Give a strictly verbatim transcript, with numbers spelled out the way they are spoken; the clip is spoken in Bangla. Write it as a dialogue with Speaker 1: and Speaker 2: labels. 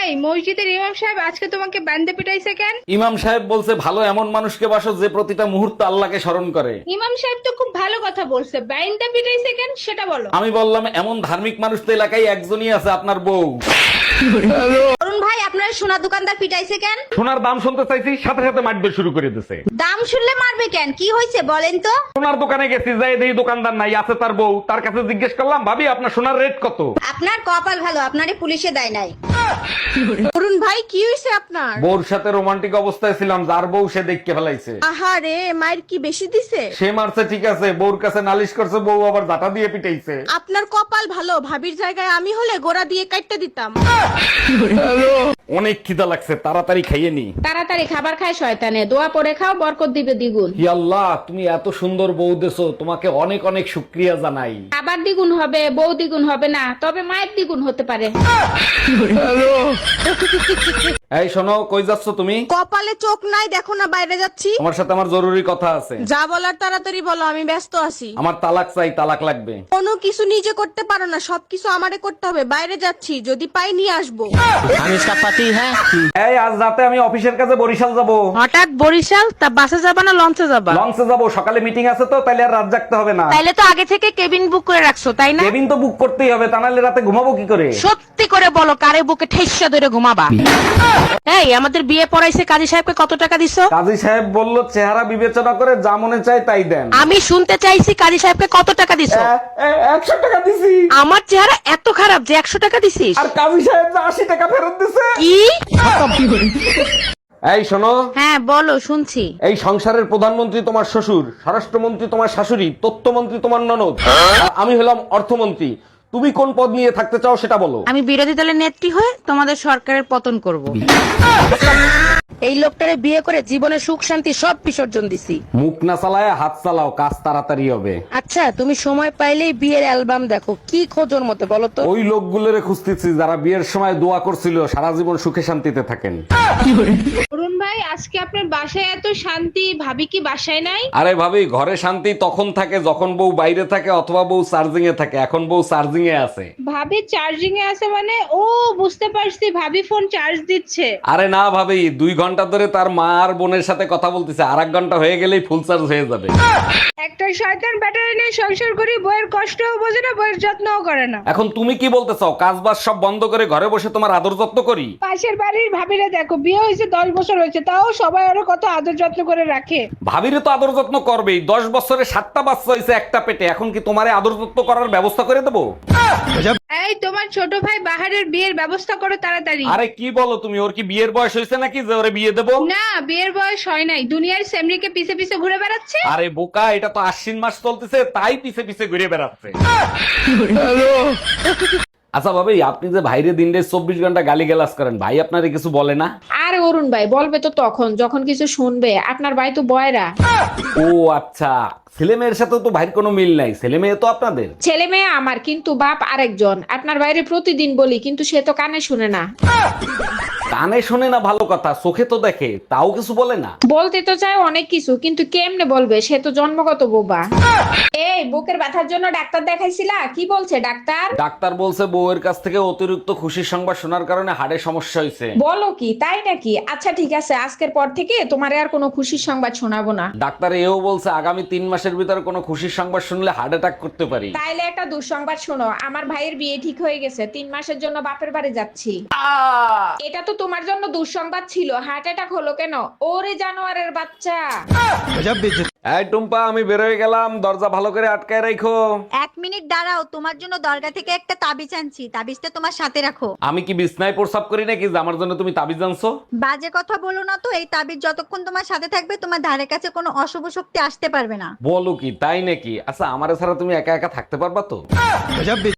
Speaker 1: এই মসজিদের ইমাম সাহেব আজকে তোমাকে বান্দে পিটাইছে কেন?
Speaker 2: ইমাম সাহেব বলছে ভালো এমন মানুষকে বাসো যে প্রতিটা মুহূর্তে আল্লাহকে স্মরণ করে।
Speaker 1: ইমাম সাহেব তো খুব ভালো কথা বলছে, বান্দে পিটাইছে কেন সেটা বলো।
Speaker 2: আমি বললাম এমন ধার্মিক মানুষ তো এলাকায় একজনই আছে, আপনার বউ।
Speaker 3: অরুণ ভাই, আপনার সোনা দোকানদার পিটাইছে কেন?
Speaker 2: সোনার দাম শুনতে চাইছি, সাথে সাথে মারবে শুরু করে দিছে।
Speaker 3: দাম শুনলে মারবে কেন? কি হয়েছে বলেন তো?
Speaker 2: সোনার দোকানে গেছি, যাই দেখি দোকানদার নাই, আছে তার বউ। তার কাছে জিজ্ঞেস করলাম, ভাবি আপনার সোনার রেট কত?
Speaker 3: আপনার কপাল ভালো, আপনারে পুলিশে দেয় নাই।
Speaker 4: অরুণ ভাই, কি হয়েছে আপনার?
Speaker 2: বউর সাথে রোমান্টিক অবস্থায় ছিলাম, যার বউ সে দেখকে ফেলাইছে।
Speaker 4: আহারে, মায়ের কি বেশি দিছে?
Speaker 2: সে মারছে ঠিক আছে, বউর কাছে নালিশ করছে, বউ আবার জাটা দিয়ে পিটাইছে।
Speaker 4: আপনার কপাল ভালো, ভাবির জায়গায় আমি হলে গোড়া দিয়ে কাটতে দিতাম।
Speaker 2: অনেক খিদা লাগছে, তাড়াতাড়ি খাইয়ে নি।
Speaker 1: তাড়াতাড়ি খাবার খায় শয়তানে, দোয়া পরে খাও, বরকত দিবে দ্বিগুণ।
Speaker 2: হি আল্লাহ, তুমি এত সুন্দর বউ দেছো, তোমাকে অনেক অনেক শুকরিয়া জানাই।
Speaker 1: খাবার দ্বিগুণ হবে, বউ দ্বিগুণ হবে না, তবে মায়ের দ্বিগুণ হতে পারে।
Speaker 2: এই শোনো, কই যাচ্ছ তুমি?
Speaker 4: কপালে চোখ নাই, দেখো না বাইরে যাচ্ছি।
Speaker 2: তোমার সাথে আমার জরুরি কথা আছে।
Speaker 4: যা বলার তাড়াতাড়ি বলো, আমি ব্যস্ত আছি।
Speaker 2: আমার তালাক চাই, তালাক লাগবে।
Speaker 4: কোনো কিছু নিজে করতে পারো না, সবকিছু আমারে করতে হবে। বাইরে যাচ্ছি, যদি পাই নিয়ে আসবো।
Speaker 2: এই আজ রাতে আমি অফিসের কাছে বরিশাল যাব।
Speaker 4: হঠাৎ বরিশাল? তা বাসে যাবা না লঞ্চে যাবা?
Speaker 2: লঞ্চে যাব, সকালে মিটিং আছে তো, তাইলে আর রাত জাগতে হবে না।
Speaker 4: তাইলে তো আগে থেকে কেবিন বুক করে রাখছো, তাই না?
Speaker 2: কেবিন তো বুক করতেই হবে, তা নাহলে রাতে ঘুমাবো কি করে?
Speaker 4: সত্যি করে বলো, কারে বুকে ঠেসা ধরে ঘুমাবা? এই, আমাদের বিয়ে পড়াইছে কাজী সাহেবকে কত টাকা দিছো?
Speaker 2: কাজী সাহেব বলল চেহারা বিবেচনা করে যা মনে চায় তাই দেন।
Speaker 4: আমি শুনতে চাইছি কাজী সাহেবকে কত টাকা দিছো?
Speaker 2: একশো টাকা দিছি।
Speaker 4: আমার চেহারা এত খারাপ যে একশো টাকা দিছিস?
Speaker 2: আর কাজী সাহেব যে আশি টাকা ফেরত দিছে।
Speaker 4: কি?
Speaker 2: এই শোনো,
Speaker 4: হ্যাঁ বলো, শুনছি।
Speaker 2: এই সংসারের প্রধানমন্ত্রী তোমার শ্বশুর, স্বরাষ্ট্রমন্ত্রী তোমার শাশুড়ি, তথ্যমন্ত্রী তোমার ননদ, আর আমি হলাম অর্থমন্ত্রী। তুমি কোন পদ নিয়ে থাকতে চাও সেটা বলো।
Speaker 4: আমি বিরোধী দলের নেত্রী হয়ে তোমাদের সরকারের পতন করব। এই লোকটারে বিয়ে করে জীবনে সুখ শান্তি সব বিসর্জন দিছি।
Speaker 2: মুখ না চালায় হাত চালাও, কাজ তাড়াতাড়ি হবে।
Speaker 4: আচ্ছা, তুমি সময় পাইলেই বিয়ের অ্যালবাম দেখো, কি খোঁজোর মতো বলো তো?
Speaker 2: ওই লোকগুলোরে খুঁজতেছি যারা বিয়ের সময় দোয়া করছিল সারা জীবন সুখে শান্তিতে থাকেন।
Speaker 1: অরুণ ভাই, আজকে আপনার বাসায় এত শান্তি, ভাবি কি বাসায় নাই?
Speaker 2: আরে ভাবি, ঘরে শান্তি তখন থাকে যখন বউ বাইরে থাকে অথবা বউ চার্জিং এ থাকে। এখন বউ চার্জিং এ আছে।
Speaker 1: ভাবি চার্জিং এ আছে মানে? ও বুঝতে পারছি, ভাবি ফোন চার্জ দিচ্ছে।
Speaker 2: আরে না ভাবি, দুই ঘন্টা ধরে তার মা আর বোনের সাথে কথা বলতেছে, আর এক ঘন্টা হয়ে গেলেই ফুল চার্জ হয়ে যাবে।
Speaker 1: একটা শয়তান ব্যাটারি নিয়ে সংসার করি, বইয়ের কষ্টও বোঝে না, বইয়ের যত্নও করে না।
Speaker 2: এখন তুমি কি বলতে চাও, কাজ বাজ সব বন্ধ করে ঘরে বসে তোমার আদর যত্ন করি?
Speaker 1: পাশের বাড়ির ভাবিরা দেখো, বিয়ে হয়েছে দশ বছর হয়েছে, তাও সবাই আরো কত আদর যত্ন করে রাখে।
Speaker 2: ভাবিরে তো আদর যত্ন করবেই, দশ বছরে সাতটা বাচ্চা হয়েছে একটা পেটে, এখন কি তোমারে আদর যত্ন করার ব্যবস্থা করে দেবো?
Speaker 1: এই তোমার ছোট ভাই বাহারের বিয়ের ব্যবস্থা করো তাড়াতাড়ি।
Speaker 2: আরে কি বলো তুমি, ওর কি বিয়ের বয়স হয়েছে নাকি যে ওরে বিয়ে দেবো?
Speaker 1: না, বিয়ের বয়স হয় নাই, দুনিয়ার সেমরিকে পিছে পিছে ঘুরে বেড়াচ্ছে।
Speaker 2: আরে বোকা, এটা তো আশ্বিন মাস চলতেছে, তাই পিছে পিছে ঘুরে বেড়াচ্ছে। আচ্ছা ভাবি, আপনি যে ভাইরে দিনটা চব্বিশ ঘন্টা গালি গালাজ করেন, ভাই আপনারে কিছু বলে না?
Speaker 1: আর অরুণ ভাই বলবে তো তখন যখন কিছু শুনবে, আপনার ভাই তো বয়রা।
Speaker 2: ও আচ্ছা, ছেলে মেয়ের সাথে তো ভাইয়ের কোনো মিল নাই, ছেলে মেয়ে তো আপনাদের।
Speaker 1: ছেলে মেয়ে আমার, কিন্তু বাপ আরেকজন। আপনার বাইরে প্রতিদিন বলি, কিন্তু সে তো কানে শুনে না।
Speaker 2: কানে শোনে না ভালো কথা, চোখে তো দেখে, তাও কিছু বলে না।
Speaker 1: বলতে তো চায় অনেক কিছু, কিন্তু কেমনে বলবে, সে তো জন্মগত বোবা। এই বুকের ব্যথার জন্য ডাক্তার দেখাইছিলা? কি বলছে ডাক্তার?
Speaker 2: ডাক্তার বলছে বউয়ের কাছ থেকে অতিরিক্ত খুশির সংবাদ শোনার কারণে হাড়ে সমস্যা হয়েছে।
Speaker 1: বলো কি, তাই নাকি? আচ্ছা ঠিক আছে, আজকের পর থেকে তোমারে আর কোনো খুশির সংবাদ শোনাবো না।
Speaker 2: ডাক্তার এও বলছে আগামী তিন মাসের ভিতরে কোনো খুশির সংবাদ শুনলে হার্ট অ্যাটাক করতে পারি।
Speaker 1: তাইলে একটা দুঃসংবাদ শোনো, আমার ভাইয়ের বিয়ে ঠিক হয়ে গেছে, তিন মাসের জন্য বাপের বাড়ি যাচ্ছি। এটা তো তোমার জন্য দুঃসংবাদ ছিল, হার্ট অ্যাটাক হলো কেন? ওরে জানোয়ারের বাচ্চা।
Speaker 2: এই টুম্পা, আমি বের হয়ে গেলাম, দরজা ভালো করে আটকায় রাখো।
Speaker 3: এক মিনিট দাঁড়াও, তোমার জন্য দরগা থেকে একটা তাবিজ আনছি, তাবিজটা তোমার সাথে রাখো।
Speaker 2: আমি কি বিছনায় প্রসাব করি নাকি যে আমার জন্য তুমি তাবিজ আনছো?
Speaker 3: বাজে কথা বলো না তো, এই তাবিজ যতক্ষণ তোমার সাথে থাকবে তোমার ধারে কাছে কোনো অশুভ শক্তি আসতে পারবে না।
Speaker 2: বলো কি, তাই নাকি? আচ্ছা, আমার ছাড়া তুমি একা একা থাকতে পারবা তো?